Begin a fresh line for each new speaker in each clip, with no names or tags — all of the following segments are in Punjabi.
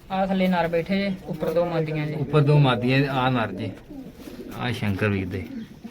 ਆ ਥੱਲੇ ਨਰ ਬੈਠੇ ਜੇ, ਉੱਪਰ ਦੋ ਮਾਦੀਆਂ ਜੇ।
ਉੱਪਰ ਦੋ ਮਾਦੀਆਂ ਆ ਨਰ ਜੇ, ਆ ਸ਼ੰਕਰ ਵੀਰ ਦੇ।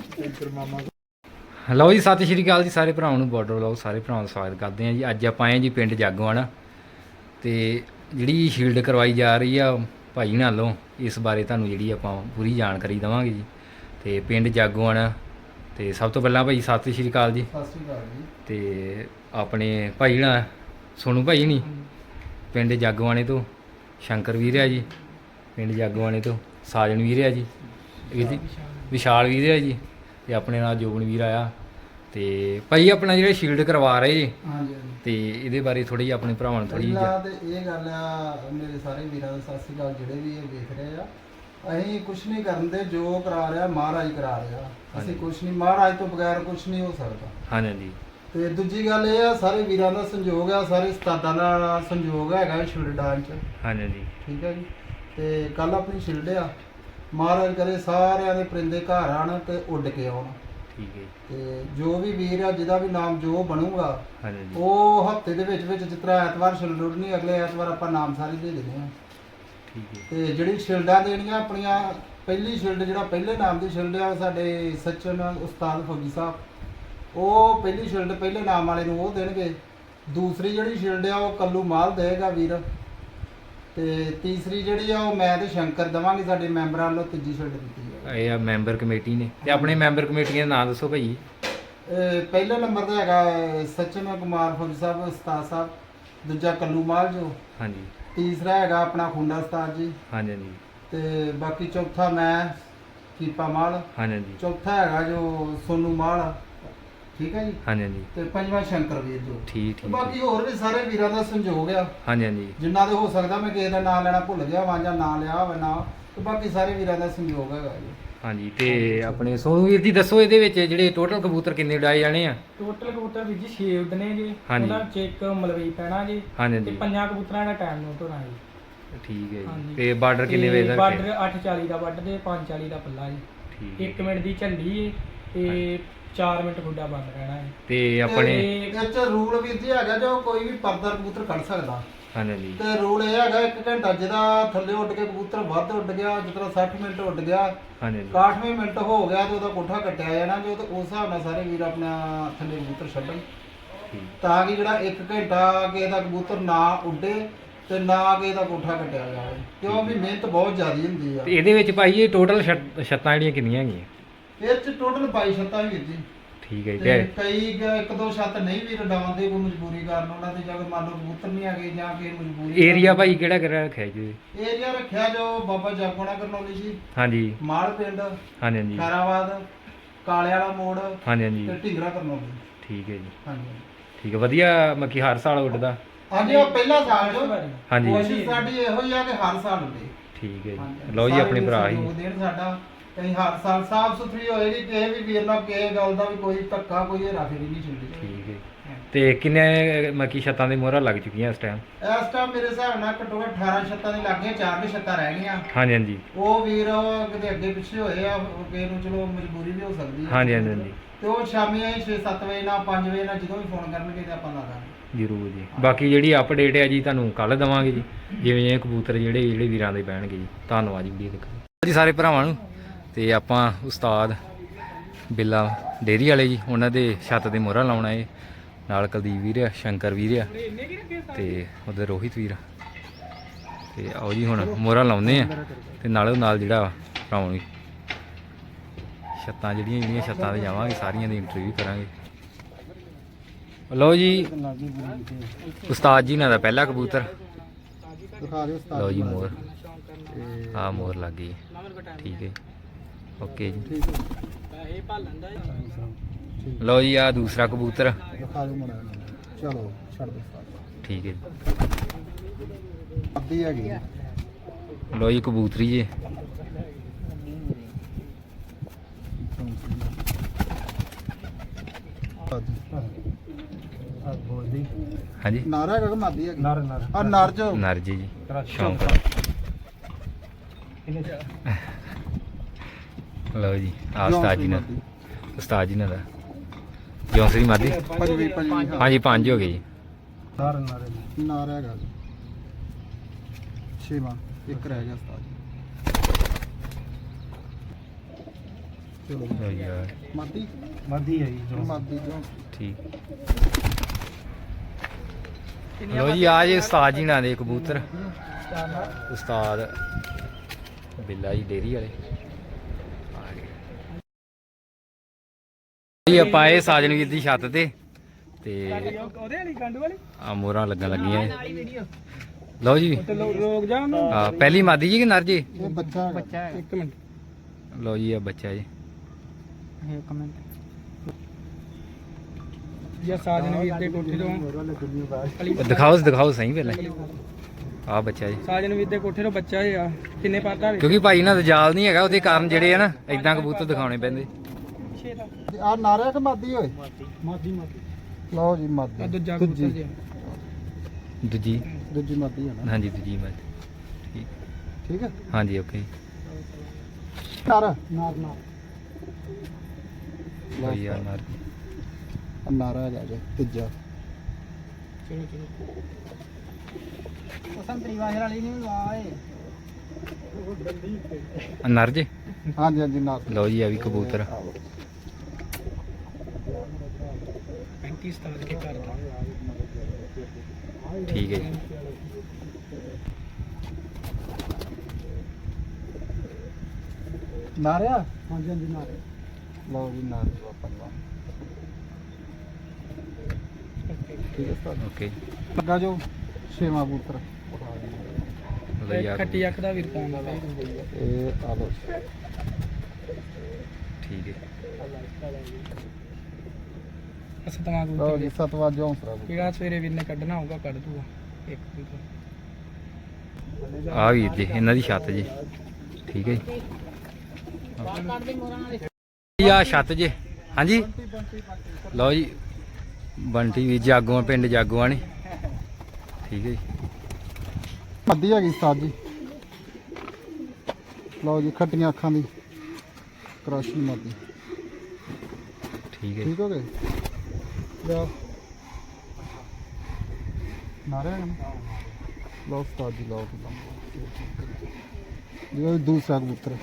ਲਓ ਜੀ, ਸਤਿ ਸ਼੍ਰੀ ਅਕਾਲ ਜੀ ਸਾਰੇ ਭਰਾਵਾਂ ਨੂੰ, ਬਾਰਡਰ ਵਲੌਗ ਸਾਰੇ ਭਰਾਵਾਂ ਦਾ ਸਵਾਗਤ ਕਰਦੇ ਹਾਂ ਜੀ। ਅੱਜ ਆਪਾਂ ਆਏ ਜੀ ਪਿੰਡ ਜਾਗੋਆਣਾ, ਤੇ ਜਿਹੜੀ ਸ਼ੀਲਡ ਕਰਵਾਈ ਜਾ ਰਹੀ ਆ ਭਾਈ ਨਾਲੋਂ, ਇਸ ਬਾਰੇ ਤੁਹਾਨੂੰ ਜਿਹੜੀ ਆਪਾਂ ਪੂਰੀ ਜਾਣਕਾਰੀ ਦੇਵਾਂਗੇ ਜੀ। ਤੇ ਪਿੰਡ ਜਾਗੋਆਣਾ, ਤੇ ਸਭ ਤੋਂ ਪਹਿਲਾਂ ਭਾਈ ਸਤਿ ਸ਼੍ਰੀ ਅਕਾਲ ਜੀ।
ਸਤਿ ਸ਼੍ਰੀ ਅਕਾਲ ਜੀ।
ਤੇ ਆਪਣੇ ਭਾਈ ਨਾ ਸੋਨੂ ਭਾਈ ਨਹੀਂ, ਪਿੰਡ ਜਾਗੋਆਣੇ ਤੋਂ ਸ਼ੰਕਰ ਵੀਰ ਆ ਜੀ, ਪਿੰਡ ਜਾਗੋਆਣੇ ਤੋਂ ਸਾਜਨ ਵੀਰ ਆ ਜੀ, ਇਹਦੀ ਵਿਸ਼ਾਲ ਵੀਰ ਆ ਜੀ, ਤੇ ਆਪਣੇ ਨਾਲ ਜੋਬਨ ਵੀਰ ਆਇਆ। ਤੇ ਭਾਈ ਆਪਣਾ ਜਿਹੜਾ ਸ਼ੀਲਡ ਕਰਵਾ ਰਹੇ ਜੀ,
ਹਾਂਜੀ
ਤੇ ਇਹਦੇ ਬਾਰੇ ਥੋੜੀ ਆਪਣੇ ਭਰਾਵਾਂ ਨੂੰ ਥੋੜੀ
ਪਹਿਲਾਂ ਤੇ ਇਹ ਗੱਲ ਆ, ਮੇਰੇ ਸਾਰੇ ਵੀਰਾਂ ਦਾ ਸਤਿ ਸ਼੍ਰੀ ਅਕਾਲ ਜਿਹੜੇ ਵੀ ਇਹ ਵੇਖ ਰਹੇ ਆ। ਅਸੀਂ ਕੁਛ ਨਹੀਂ ਕਰਨ ਦੇ, ਜੋ ਕਰਾ ਰਿਹਾ ਮਹਾਰਾਜ ਕਰਾ ਰਿਹਾ। ਅਸੀਂ ਕੁਛ ਨਹੀਂ, ਮਹਾਰਾਜ ਤੋਂ ਬਗੈਰ ਕੁਛ ਨਹੀਂ ਹੋ ਸਕਦਾ।
ਹਾਂਜੀ।
ਤੇ ਦੂਜੀ ਗੱਲ ਇਹ ਆ, ਸਾਰੇ ਵੀਰਾਂ ਦਾ ਸੰਯੋਗ ਆ, ਸਾਰੇ ਉਸਤਾਦਾਂ ਦਾ ਸੰਯੋਗ ਹੈਗਾ ਸ਼ੀਲਡ ਡਾਂਸ ਚ।
ਹਾਂਜੀ
ਠੀਕ ਹੈ ਜੀ। ਤੇ ਕੱਲ ਆਪਣੀ ਸ਼ੀਲਡ ਆ, ਮਹਾਰਾਜ ਕਰੇ ਸਾਰਿਆਂ ਦੇ ਪਰਿੰਦੇ ਘਰ ਆਣ ਤੇ ਉੱਡ ਕੇ ਆਉਣ।
ਠੀਕ ਹੈ।
ਤੇ ਜੋ ਵੀ ਵੀਰ ਆ, ਜਿਹਦਾ ਵੀ ਨਾਮ ਜੋ ਬਣੂਗਾ,
ਹਾਂਜੀ
ਉਹ ਹਫਤੇ ਦੇ ਵਿੱਚ ਜਿਸ ਤਰ੍ਹਾਂ ਐਤਵਾਰ ਸ਼ੀਲਡ ਉੱਡਣੀ, ਅਗਲੇ ਐਤਵਾਰ ਆਪਾਂ ਨਾਮ ਸਾਰੀ ਦੇ ਦੇਣੇ ਆ।
ਠੀਕ ਹੈ।
ਤੇ ਜਿਹੜੀ ਸ਼ੀਲਡਾਂ ਦੇਣੀਆਂ ਆਪਣੀਆਂ, ਪਹਿਲੀ ਸ਼ੀਲਡ ਜਿਹੜਾ ਪਹਿਲੇ ਨਾਮ ਦੀ ਸ਼ੀਲਡ ਆ, ਸਾਡੇ ਸਚਨ ਉਸਤਾਦ ਫੌਜੀ ਸਾਹਿਬ, ਉਹ ਪਹਿਲੀ ਸ਼ੀਲਡ ਪਹਿਲੇ ਨਾਮ ਵਾਲੇ ਨੂੰ ਉਹ ਦੇਣਗੇ। ਦੂਸਰੀ ਜਿਹੜੀ ਸ਼ੀਲਡ ਆ ਉਹ ਕੱਲੂ ਮਾਲ ਦੇਗਾ ਵੀਰ। ਤੇ ਤੀਸਰੀ ਜਿਹੜੀ ਆ ਉਹ ਮੈਂ ਤੇ ਸ਼ੰਕਰ ਦੇਵਾਂਗੇ, ਸਾਡੇ ਮੈਂਬਰਾਂ ਵੱਲੋਂ ਤੀਜੀ ਸ਼ੀਲਡ ਦਿੱਤੀ ਹੈ।
ਇਹ ਆ ਮੈਂਬਰ ਕਮੇਟੀ ਨੇ, ਤੇ ਆਪਣੇ ਮੈਂਬਰ ਕਮੇਟੀਆਂ ਦਾ ਨਾਮ ਦੱਸੋ ਭਾਈ।
ਪਹਿਲੇ ਨੰਬਰ ਤੇ ਹੈਗਾ ਸਚਨ ਕੁਮਾਰ ਫੌਜੀ ਸਾਹਿਬ ਉਸਤਾਦ ਸਾਹਿਬ, ਦੂਜਾ ਕੱਲੂ ਮਾਲ ਜੋ,
ਹਾਂਜੀ।
ਤੀਸਰਾ ਹੈਗਾ ਆਪਣਾ ਖੁੰਡਾ ਉਸਤਾਦ ਜੀ,
ਹਾਂਜੀ
ਤੇ ਬਾਕੀ ਚੌਥਾ ਮੈਂ ਕੀਪਾ ਮਾਲ,
ਹਾਂਜੀ
ਚੌਥਾ ਹੈਗਾ ਜੋ ਸੋਨੂ ਮਾਲ। ਠੀਕ ਹੈ ਜੀ।
ਹਾਂਜੀ
ਤੇ ਪੰਜਵਾਂ ਸ਼ੰਕਰ ਵੀਰ ਜੋ।
ਠੀਕ
ਤੇ
ਠੀਕ।
ਬਾਕੀ ਹੋਰ ਵੀ ਸਾਰੇ ਵੀਰਾਂ ਦਾ ਸੰਯੋਗ ਆ,
ਹਾਂਜੀ
ਜਿੰਨਾ ਦੇ ਹੋ ਸਕਦਾ। ਮੈਂ ਕਿਸੇ ਦਾ ਨਾਮ ਲੈਣਾ ਭੁੱਲ ਗਿਆ ਵਾਂ ਜਾਂ ਨਾਂ ਲਿਆ ਹੋਵੇ ਨਾ, ਤੇ ਬਾਕੀ ਸਾਰੇ ਵੀਰਾਂ ਦਾ ਸੰਯੋਗ ਹੈਗਾ ਜੀ।
ਹਾਂਜੀ। ਤੇ ਆਪਣੇ ਸੋਨੂ ਵੀਰ ਜੀ ਦੱਸੋ, ਇਹਦੇ ਵਿੱਚ ਜਿਹੜੇ ਟੋਟਲ ਕਬੂਤਰ ਕਿੰਨੇ ਉਡਾਏ ਜਾਣੇ ਆ?
ਟੋਟਲ ਕਬੂਤਰ ਵੀਰ ਜੀ 6 ਉੱਡਣੇ ਜੀ,
ਹਾਂਜੀ।
ਉਹਨਾਂ ਚ ਇੱਕ ਮਲਵਈ ਪੈਣਾ ਜੀ,
ਹਾਂਜੀ
ਤੇ 5 ਕਬੂਤਰਾਂ ਦਾ ਟਾਈਮ ਨੋਟ ਹੋਣਾ ਜੀ।
ਠੀਕ ਹੈ ਜੀ।
ਹਾਂਜੀ।
ਤੇ ਬਾਰਡਰ ਕਿੰਨੇ ਵਜੇ ਦਾ
ਬਾਰਡਰ 8:40 ਦਾ ਵੱਢ ਦੇ, 5:40 ਦਾ ਪੱਲਾ ਜੀ।
ਠੀਕ ਹੈ।
1 ਮਿੰਟ ਦੀ ਝੱਲੀ ਏ ਤੇ 4 ਮਿੰਟ ਖੁੱਡਾ ਬੰਦ ਰਹਿਣਾ ਹੈ।
ਤੇ ਆਪਣੇ
ਇਹ ਚ ਰੂਲ ਵੀਰ ਜੀ ਹੈਗਾ, ਜੋ ਕੋਈ ਵੀ ਪਰਦਾ ਕਬੂਤਰ ਕੱਢ ਸਕਦਾ।
ਹਾਂਜੀ
ਤੇ ਰੂਲ ਇਹ ਹੈਗਾ 1 ਘੰਟਾ, ਜਿਹਦਾ ਥੱਲੇ ਉੱਡ ਕੇ ਕਬੂਤਰ ਵੱਧ ਉੱਡ ਗਿਆ, ਜਿਸ ਤਰ੍ਹਾਂ 60 ਮਿੰਟ ਉੱਡ ਗਿਆ,
ਹਾਂਜੀ
61ਵੇਂ ਮਿੰਟ ਹੋ ਗਿਆ, ਤੇ ਉਹਦਾ ਕੋਠਾ ਕੱਟਿਆ ਜਾਣਾ ਜੋ। ਤੇ ਉਸ ਹਿਸਾਬ ਨਾਲ ਸਾਰੇ ਵੀਰ ਆਪਣਾ ਥੱਲੇ ਕਬੂਤਰ ਛੱਡਣ,
ਠੀਕ।
ਤਾਂ ਕਿ ਜਿਹੜਾ 1 ਘੰਟਾ ਕਿਸੇ ਦਾ ਕਬੂਤਰ ਨਾ ਉੱਡੇ ਤੇ ਨਾ ਕਿਸੇ ਦਾ ਕੋਠਾ ਕੱਟਿਆ ਜਾਵੇ, ਕਿਉਂ ਵੀ ਮਿਹਨਤ ਬਹੁਤ ਜ਼ਿਆਦੀ ਹੁੰਦੀ ਆ।
ਤੇ ਇਹਦੇ ਵਿੱਚ ਭਾਈ ਇਹ ਟੋਟਲ ਛੱਤਾਂ ਜਿਹੜੀਆਂ ਕਿੰਨੀਆਂ ਹੈਗੀਆਂ?
ਇਹ ਚ ਟੋਟਲ 22 ਛੱਤਾਂ ਵੀਰ ਜੀ।
ਠੀਕ ਹੈ ਜੀ।
ਤੇ ਕਈ ਇੱਕ ਦੋ ਛੱਤ ਨਹੀਂ ਵੀ ਰਡਾਉਂਦੇ, ਕੋਈ ਮਜਬੂਰੀ ਕਾਰਨ ਉਹਨਾਂ ਦੇ, ਜਾਂ ਮੰਨ ਲਓ ਕਬੂਤਰ ਨਹੀਂ ਹੈਗੇ ਜਾਂ ਕੋਈ ਮਜਬੂਰੀ।
ਏਰੀਆ ਭਾਈ ਕਿਹੜਾ ਕਿਹੜਾ ਰੱਖਿਆ ਜੀ?
ਏਰੀਆ ਰੱਖਿਆ ਜੋ ਬਾਬਾ ਜਾਗੋਣਾ ਕਰਨੌਲੀ ਜੀ,
ਹਾਂਜੀ
ਮਾਲ ਪਿੰਡ,
ਹਾਂਜੀ ਹਾਂਜੀ
ਖੈਰਾਬਾਦ, ਕਾਲੇ ਵਾਲਾ ਮੋੜ,
ਹਾਂਜੀ ਹਾਂਜੀ
ਤੇ ਢਿੰਗਰਾ ਕਰਨੌਲੀ।
ਠੀਕ ਹੈ ਜੀ।
ਹਾਂਜੀ
ਠੀਕ ਹੈ। ਵਧੀਆ ਮੱਕੀ ਹਰ ਸਾਲ ਉੱਡਦਾ?
ਹਾਂਜੀ, ਉਹ ਪਹਿਲਾ ਸਾਲ ਜੋ
ਹਾਂਜੀ
ਕੋਸ਼ਿਸ਼ ਸਾਡੀ ਇਹੋ ਹੀ ਆ ਕਿ ਹਰ ਸਾਲ ਉੱਡੇ।
ਠੀਕ ਹੈ ਜੀ।
ਹਾਂਜੀ।
ਲਓ ਜੀ,
ਸਾਰੇ
ਆਪਣੇ ਭਰਾ ਹੀ
ਸਹਿਯੋਗ ਦੇਣ ਸਾਡਾ, ਕਈ ਹਰ ਸਾਲ ਸਾਫ ਸੁਥਰੀ ਹੋਏਗੀ, ਕਿਸੇ ਵੀ ਵੀਰ ਨਾਲ ਕਿਸੇ ਗੱਲ ਦਾ ਵੀ ਕੋਈ ਧੱਕਾ, ਕੋਈ ਹੇਰਾਫੇਰੀ ਨਹੀਂ ਚੱਲਦੀ।
ਠੀਕ ਹੈ। ਤੇ ਕਿੰਨੇ ਮੱਕੀ ਛੱਤਾਂ ਦੀ ਮੋਹਰਾਂ ਲੱਗ ਚੁੱਕੀਆਂ ਇਸ ਟਾਈਮ?
ਇਸ ਟਾਈਮ ਮੇਰੇ ਹਿਸਾਬ ਨਾਲ ਘੱਟੋ ਘੱਟ 18 ਛੱਤਾਂ ਦੀ ਲੱਗ ਗਈਆਂ, 4 ਕੁ ਛੱਤਾਂ ਰਹਿ ਗਈਆਂ।
ਹਾਂਜੀ ਹਾਂਜੀ
ਉਹ ਵੀਰ ਕਿਤੇ ਅੱਗੇ ਪਿੱਛੇ ਹੋਏ ਆ, ਕਿਸੇ ਨੂੰ ਚਲੋ ਮਜਬੂਰੀ ਵੀ ਹੋ ਸਕਦੀ ਹੈ।
ਹਾਂਜੀ ਹਾਂਜੀ ਹਾਂਜੀ
ਤੇ ਉਹ ਸ਼ਾਮੀ 6-7 ਵਜੇ ਨਾਲ 5 ਵਜੇ ਨਾਲ ਜਦੋਂ ਵੀ ਫੋਨ ਕਰਨਗੇ ਤੇ ਆਪਾਂ ਲਾ ਦਾਂਗੇ।
ਜ਼ਰੂਰ ਜੀ। ਬਾਕੀ ਜਿਹੜੀ ਅਪਡੇਟ ਹੈ ਜੀ ਤੁਹਾਨੂੰ ਕੱਲ ਦੇਵਾਂਗੇ ਜੀ, ਜਿਵੇਂ ਇਹ ਕਬੂਤਰ ਜਿਹੜੇ ਵੀਰਾਂ ਦੇ ਬਹਿਣਗੇ ਜੀ। ਧੰਨਵਾਦ ਜੀ ਵੀਡੀਓ ਦੇਖਣ ਜੀ ਸਾਰੇ ਭਰਾਵਾਂ ਨੂੰ। ਤੇ ਆਪਾਂ ਉਸਤਾਦ ਬਿੱਲਾ ਡੇਰੀ ਵਾਲੇ ਜੀ, ਉਹਨਾਂ ਦੇ ਛੱਤ ਦੇ ਮੋਹਰਾਂ ਲਾਉਣਾ ਏ। ਨਾਲ ਕੁਲਦੀਪ ਵੀਰ ਆ, ਸ਼ੰਕਰ ਵੀਰ ਆ, ਤੇ ਉਧਰ ਰੋਹਿਤ ਵੀਰ। ਤੇ ਆਓ ਜੀ ਹੁਣ ਮੋਹਰਾਂ ਲਾਉਂਦੇ ਆ, ਤੇ ਨਾਲੋਂ ਨਾਲ ਜਿਹੜਾ ਭਰਾਵਾਂ ਨੂੰ ਛੱਤਾਂ ਜਿਹੜੀਆਂ ਛੱਤਾਂ 'ਤੇ ਜਾਵਾਂਗੇ, ਸਾਰੀਆਂ ਦੀ ਇੰਟਰਵਿਊ ਕਰਾਂਗੇ। ਲਓ ਜੀ, ਉਸਤਾਦ ਜੀ ਨਾਲ ਦਾ ਪਹਿਲਾ ਕਬੂਤਰ।
ਦਿਖਾ ਦਿਓ ਉਸਤਾਦ
ਲਓ ਜੀ ਮੋਹਰ, ਆਹ ਮੋਹਰ ਲੱਗ ਗਈ। ਠੀਕ ਹੈ, ਓਕੇ ਜੀ।
ਠੀਕ ਹੈ।
ਲਓ ਜੀ, ਆਹ ਦੂਸਰਾ ਕਬੂਤਰ।
ਦਿਖਾ ਦਿਓ ਮੁੰਡਾ, ਚਲੋ ਛੱਡ ਦਿਓ ਉਸਤਾਦ।
ਠੀਕ ਹੈ
ਅੱਧੀ ਹੈਗੀ।
ਜੀ। ਲਓ ਜੀ ਕਬੂਤਰੀ ਜੀ। ਹਾਂਜੀ
ਨਾਰਾ ਹੈਗਾ ਕਿ ਮਾਦੀ ਹੈਗੀ? ਆ ਨਰ ਜੋ
ਨਰਜੀ ਜੀ, ਸ਼ੌਂਕ। ਲਓ ਜੀ, ਆਹ ਉਸਤਾਦ ਜੀ ਨਾਲ, ਉਸਤਾਦ ਜੀ ਨਾਲ ਦਾ ਜੌਂਸਰੀ ਮਾਦੀ।
ਪੰਜਵੀਂ
ਹਾਂਜੀ 5 ਹੋ ਗਏ ਜੀ।
ਨਾਰਾ ਹੈਗਾ ਛੇਵਾਂ ਇੱਕ ਰਹਿ ਗਿਆ ਉਸਤਾਦ ਜੀ। ਚਲੋ
ਲਓ ਜੀ ਆ
ਮਾਦੀ
ਮਾਦੀ ਹੈ ਜੀ
ਮਾਦੀ ਜੋ
ਠੀਕ। ਲਓ ਜੀ ਆ ਜੇ ਉਸਤਾਦ ਜੀ ਨਾਲ ਦੇ ਕਬੂਤਰ, ਉਸਤਾਦ ਬਿੱਲਾ ਜੀ ਡੇਰੀ ਵਾਲੇ ਆ ਗਏ ਜੀ। ਆਪਾਂ ਇਹ ਸਾਜਨ ਵੀਰ ਦੀ ਛੱਤ ਤੇ
ਉਹਦੇ ਵਾਲੀ ਗੰਡ ਵਾਲੀ
ਆ ਮੋਹਰਾਂ ਲੱਗਣ ਲੱਗੀਆਂ ਇਹ। ਲਓ ਜੀ
ਰੋਕ ਜਾ ਉਹਨੂੰ।
ਆ ਪਹਿਲੀ ਮਾਦੀ ਜੀ ਕਿ ਨਰ ਜੀ?
ਇਹ ਬੱਚਾ ਹੈਗਾ।
ਇੱਕ ਮਿੰਟ
ਲਓ ਜੀ ਆ ਬੱਚਾ ਜੀ।
ਇੱਕ ਮਿੰਟ ਇਹ ਸਾਜਨ ਵੀਰ ਦੇ ਕੋਠੇ ਤੋਂ
ਦਿਖਾਓ ਸਹੀ ਪਹਿਲਾਂ ਆ ਬੱਚਾ ਜੀ।
ਸਾਜਨ ਵੀਰ ਦੇ ਕੋਠੇ ਤੋਂ ਬੱਚਾ ਆ। ਕਿੰਨੇ ਪਾਤਾ ਵੇ?
ਕਿਉਂਕਿ ਭਾਈ ਨਾਲ ਜਾਲ ਨਹੀਂ ਹੈਗਾ, ਉਹਦੇ ਕਾਰਨ ਜਿਹੜੇ ਆ ਨਾ ਇਦਾਂ ਕਬੂਤਰ ਦਿਖਾਉਣੇ ਪੈਂਦੇ।
ਆ ਨਾਰਿਆ ਕਿ ਮਾਦੀ ਓਏ?
ਮਾਦੀ
ਲਓ ਜੀ
ਆ
ਮਾਦੀ
ਦੂਜਾ ਕਬੂਤਰ ਜੀ।
ਦੂਜੀ
ਦੂਜੀ ਮਾਦੀ ਹੈ ਨਾ?
ਹਾਂਜੀ ਦੂਜੀ ਬਾਤ ਠੀਕ।
ਠੀਕ ਹੈ
ਹਾਂਜੀ ਓਕੇ।
ਨਾਰ
ਨਾਰ
ਲਓ ਜੀ ਆ ਨਰ।
ਨਾਰਾ ਹੈਗਾ ਜੀ ਤੀਜਾ।
ਚਲੋ ਸੰਤਰੀ ਵਾਹਰ ਵਾਲੀ ਨਹੀਂ ਲਵਾਏ।
ਆ ਨਰ ਜੀ।
ਹਾਂਜੀ ਹਾਂਜੀ ਨਾਰ।
ਲਓ ਜੀ ਆ ਵੀ ਕਬੂਤਰ
35 ਸਤਾਰ ਕੇ ਕਰਦਾ।
ਠੀਕ ਹੈ ਜੀ।
ਨਾਰਿਆ
ਹਾਂਜੀ ਹਾਂਜੀ ਨਾਰ।
ਲਓ ਜੀ ਨਾਰ ਜੋ ਆਪਾਂ ਨੂੰ। ਠੀਕ ਹੈ ਉਸਤਾਦ।
ਓਕੇ
ਲੱਗਾ ਜੋ ਛੇਵਾਂ ਕਬੂਤਰ।
ਲਓ ਜੀ ਆ
ਖੱਟੀ ਅੱਖ ਦਾ ਵੀਰ ਪਾਉਂਦਾ ਵੇ।
ਇਹ ਆ ਲਓ
ਠੀਕ ਹੈ।
ਸਤਵਾਂ
ਲਓ
ਕਬੂਤਰ
ਜੀ ਸਤਵਾਂ ਜੋ ਹੌਸਲਾ
ਜਿਹੜਾ ਸਵੇਰੇ ਵੀਰ ਨੇ ਕੱਢਣਾ ਹੋਊਗਾ ਕੱਢ ਦੂਗਾ ਇੱਕ ਕਬੂਤਰ।
ਆ ਵੀਰ ਜੀ ਇਹਨਾਂ ਦੀ ਛੱਤ ਜੀ। ਠੀਕ ਹੈ ਜੀ। ਆ ਛੱਤ ਜੀ। ਹਾਂਜੀ ਲਓ ਜੀ ਬੰਟੀ ਵੀ ਜਾਗੋਆਂ, ਪਿੰਡ ਜਾਗੋਆਂ ਨੇ। ਠੀਕ ਹੈ ਜੀ।
ਮਾਦੀ ਹੈਗੀ ਉਸਤਾਦ ਜੀ। ਲਓ ਜੀ ਖੱਟੀਆਂ ਅੱਖਾਂ ਦੀ ਕ੍ਰਾਸ਼ੀ ਮਾਦੀ।
ਠੀਕ ਹੈ
ਠੀਕ ਹੋ ਗਏ? ਲਓ ਨਾਰਿਆ ਹੈ ਨਾ? ਲਓ ਉਸਤਾਦ ਜੀ ਲਓ ਜੀ ਦੂਸਰਾ ਕਬੂਤਰ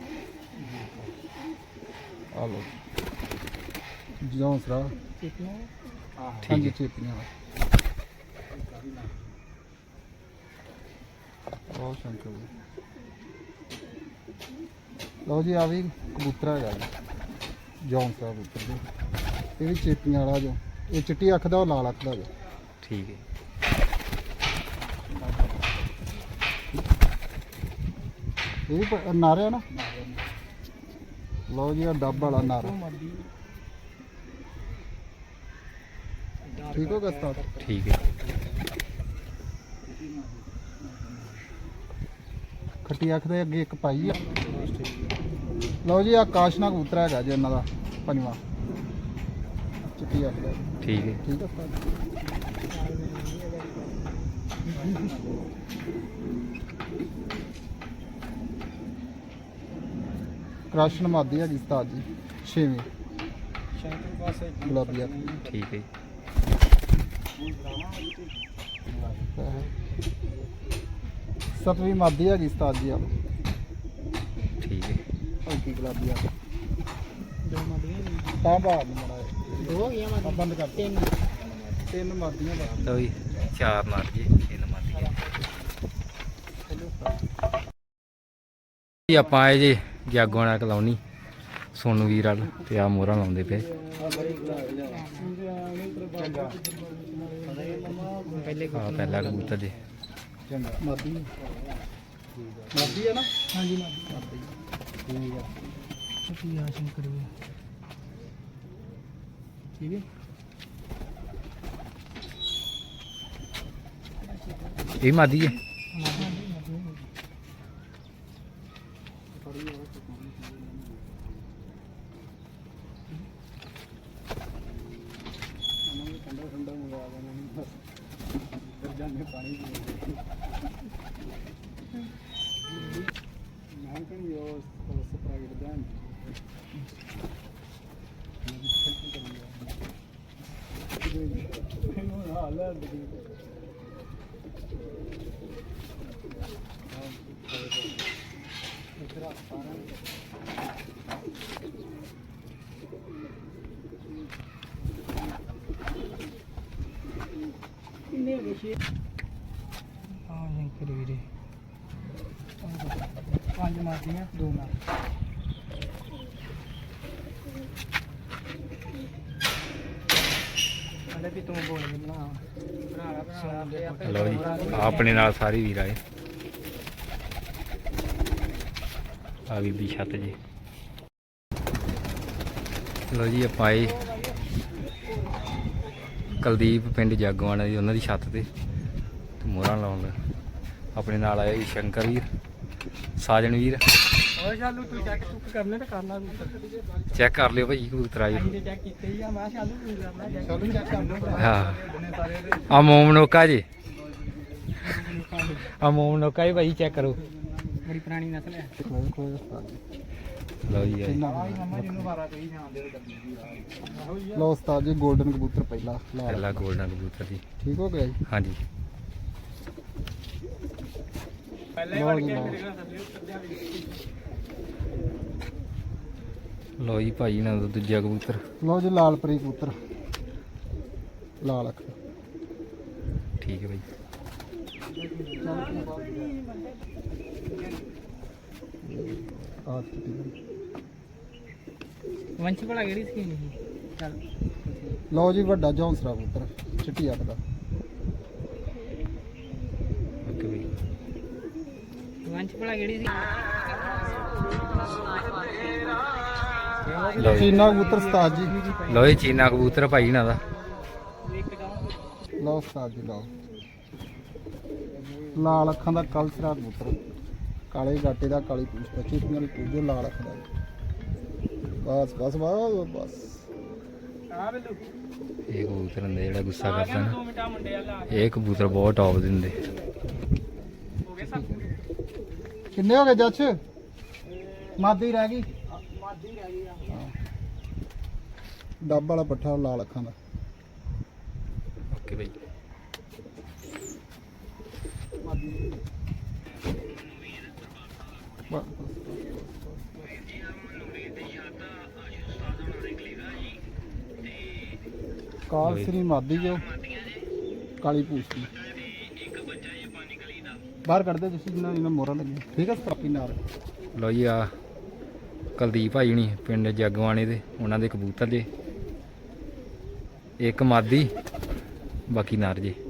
ਆ ਲਓ ਜੀ ਹੌਸਲਾ।
ਠੀਕ
ਹਾਂਜੀ
ਹੈ।
ਚੇਪੀਆਂ ਬਹੁਤ ਸ਼ੰਕਰ ਜੀ। ਲਓ ਜੀ ਆ ਵੀ ਕਬੂਤਰ ਹੈਗਾ ਜੀ ਜੌਨ ਸਾਹਿਬ ਕਬੂਤਰ ਜੀ। ਇਹ ਵੀ ਚੇਪੀਆਂ ਵਾਲਾ ਜੋ ਇਹ ਚਿੱਟੀ ਅੱਖ ਦਾ ਉਹ ਲਾਲ ਅੱਖ ਦਾ ਜੋ।
ਠੀਕ ਹੈ।
ਇਹ ਵੀ ਨਾਰਿਆ ਨਾ? ਲਓ ਜੀ ਆ ਡੱਬ ਵਾਲਾ ਨਾਰਾ। ਠੀਕ ਹੋ ਗਿਆ ਉਸਤਾਦ?
ਠੀਕ ਹੈ।
ਖੱਟੀ ਅੱਖ ਦੇ ਅੱਗੇ ਇੱਕ ਪਾਈ ਆ। ਲਓ ਜੀ ਆ ਕਾਸ਼ਨਾ ਕਬੂਤਰ ਹੈਗਾ ਜੀ ਇਹਨਾਂ ਦਾ ਪੰਜਵਾਂ ਚਿੱਟੀ ਅੱਖ ਦਾ।
ਠੀਕ ਹੈ।
ਠੀਕ ਹੈ ਉਸਤਾਦ। ਕ੍ਰਾਸ਼ਨ ਮਾਦੀ ਹੈਗੀ ਉਸਤਾਦ ਜੀ ਛੇਵੀਂ ਗੁਲਾਬੀ ਅੱਖ ਦੀ।
ਠੀਕ ਹੈ।
ਸਤਵੀਂ ਮਾਦੀ ਹੈਗੀ ਉਸਤਾਦ ਜੀ ਆ
ਠੀਕ ਹੈ।
ਹਲਕੀ ਗੁਲਾਬੀ ਅੱਖ।
ਦੋ ਮਾਦੀਆਂ
ਤਾਂ ਬਾਹਰ ਨੂੰ ਮੜਾ
ਦੋ ਹੋ ਗਈਆਂ ਮਾਦੀਆਂ।
ਬੰਦ ਕਰ ਤਿੰਨ ਮਾਦੀਆਂ ਬਸ।
ਲਓ ਜੀ ਚਾਰ ਨਰ ਜੀ, ਤਿੰਨ ਮਾਦੀਆਂ। ਜੀ ਆਪਾਂ ਆਏ ਜੀ ਜਾਗੋਂ ਵਾਲਾ ਕਲੋਨੀ ਸੋਨੂ ਵੀਰ ਵਾਲ ਤੇ ਆ ਮੋਹਰਾਂ ਲਾਉਂਦੇ ਪਏ। ਪਹਿਲਾ ਕਬੂਤਰ ਜੀ।
ਮਾਦੀ ਮਾਦੀ ਹੈ ਨਾ?
ਹਾਂਜੀ ਮਾਦੀ।
ਠੀਕ ਹੈ।
ਕੀ ਆ ਸ਼ੰਕਰ ਵੀ ਠੀਕ ਹੈ।
ਇਹ ਮਾਦੀ ਹੈ।
ਹਾਂ ਸ਼ੰਕਰ ਵੀਰੇ 5 ਮਾਰਦੀਆਂ 2 ਨਾਲ ਅਲੇ ਵੀ ਤੂੰ ਬੋਲ ਬਣਾ ਬਣਾ
ਲਓ ਜੀ ਆਪਣੇ ਨਾਲ ਸਾਰੇ ਵੀਰ ਆਏ ਆ ਵੀ ਛੱਤ ਜੀ। ਲਓ ਜੀ ਆਪਾਂ ਆਏ ਕੁਲਦੀਪ ਪਿੰਡ ਜਾਗੋਆਣਾ ਦੀ ਉਹਨਾਂ ਦੀ ਛੱਤ ਤੇ ਮੋਹਰਾਂ ਲਾਉਣ ਦਾ। ਆਪਣੇ ਨਾਲ ਆਇਆ ਜੀ ਸ਼ੰਕਰ ਵੀਰ, ਸਾਜਣ ਵੀਰ।
ਓਏ ਸ਼ਾਲੂ ਤੂੰ ਚੈੱਕ ਚੁੱਕ ਕਰਨੇ ਤੇ ਕਰ ਲਾ
ਚੈੱਕ ਕਰ ਲਿਓ ਭਾਈ ਕਬੂਤਰ ਆਏ।
ਅਸੀਂ ਚੈੱਕ ਕੀਤੇ ਹੀ ਆ ਮੈਂ ਸ਼ਾਲੂ ਤੂੰ ਕਰਨਾ ਸ਼ਾਲੂ ਚੈੱਕ ਕਰ ਲਓ
ਹਾਂ ਆ ਮੋਮ ਨੋਕਾ ਜੀ, ਆ ਮੋਮ ਨੋਕਾ ਹੀ ਭਾਈ ਚੈੱਕ ਕਰੋ।
ਬੜੀ ਪੁਰਾਣੀ ਨਸਲ ਹੈ
ਲਓ ਜੀ ਆਏ।
ਲਓ ਉਸਤਾਦ ਜੀ 골ਡਨ ਕਬੂਤਰ ਪਹਿਲਾ
ਪਹਿਲਾ ਗੋਲਡਨ ਕਬੂਤਰ ਜੀ।
ਠੀਕ ਹੋ ਗਿਆ ਜੀ।
ਹਾਂਜੀ
ਪਹਿਲੇ ਵੜ ਕੇ ਮੇਰੇ ਨਾਲ ਥੱਲੇ ਉੱਤਰਦਿਆਂ ਵੀ
ਲਓ ਜੀ ਭਾਈ ਨਾਲ ਦਾ ਦੂਜਾ ਕਬੂਤਰ।
ਲਓ ਜੀ ਲਾਲਪਰੀ ਕਬੂਤਰ ਲਾਲ ਅੱਖ
ਠੀਕ ਹੈ ਭਾਈ।
ਆਹ ਚਿੱਟੀ।
ਵੰਸ਼ ਭਲਾ ਕਿਹੜੀ ਸਕੀਮ ਸੀ ਚੱਲ
ਲਓ ਜੀ ਵੱਡਾ ਜੌਂਸਰਾ ਕਬੂਤਰ ਚਿੱਟੀ ਅੱਖ ਦਾ।
ਓਕੇ ਭਾਈ।
ਵੰਸ਼ ਭਲਾ ਕਿਹੜੀ ਸੀ
ਲਓ ਜੀ
ਚੀਨਾ ਕਬੂਤਰ ਉਸਤਾਦ ਜੀ।
ਲਓ ਜੀ ਚੀਨਾ ਕਬੂਤਰ ਭਾਈ ਨਾਲ ਦਾ।
ਲਓ ਉਸਤਾਦ ਜੀ ਲਓ ਲਾਲ ਅੱਖਾਂ ਦਾ ਕਲਸਰਾ ਕਬੂਤਰ ਕਾਲੇ ਗਾਟੇ ਦਾ ਕਾਲੀ ਪੂਛ ਦਾ ਚਿੱਟੀਆਂ ਵਾਲੀ ਪੂਛ ਦੇ ਲਾਲ ਅੱਖ ਦਾ। ਬਸ ਬਸ ਬਸ ਬਸ
ਆ ਬਿੱਲੂ
ਇਹ ਕਬੂਤਰ ਹੁੰਦੇ ਜਿਹੜਾ ਗੁੱਸਾ ਕਰਦਾ ਨਾ,
2 ਮਿੰਟਾਂ ਮੁੰਡੇ ਆ ਲਾ
ਇਹ ਕਬੂਤਰ ਬਹੁਤ ਟੌਪ ਦੇ ਹੁੰਦੇ।
ਹੋ ਗਏ ਸਭ
ਕਿੰਨੇ ਹੋ ਗਏ ਜੱਜ? ਮਾਦੀ ਰਹਿ ਗਈ।
ਮਾਦੀ ਰਹਿ ਗਈ ਆ
ਡੱਬ ਵਾਲਾ ਪੱਠਾ ਲਾਲ ਅੱਖਾਂ ਦਾ।
ਓਕੇ ਭਾਈ।
ਬਸ, ਕਾਲ ਸ੍ਰੀ ਮਾਦੀ ਜੋ ਕਾਲੀ ਪੂਛ ਦੀ ਬਾਹਰ ਕੱਢਦੇ ਤੁਸੀਂ ਜਿੰਨਾ ਇਹਨਾਂ ਮੋਹਰਾਂ ਲੱਗੀਆਂ। ਠੀਕ ਹੈ ਸਟਾਪੀ ਨਾਲ।
ਲਓ ਜੀ ਆ ਕੁਲਦੀਪ ਭਾਈ ਹੁਣੀ ਪਿੰਡ ਜਾਗਵਾਣੇ ਦੇ, ਉਹਨਾਂ ਦੇ ਕਬੂਤਰ ਜੇ, ਇੱਕ ਮਾਦੀ ਬਾਕੀ ਨਰ ਜੇ।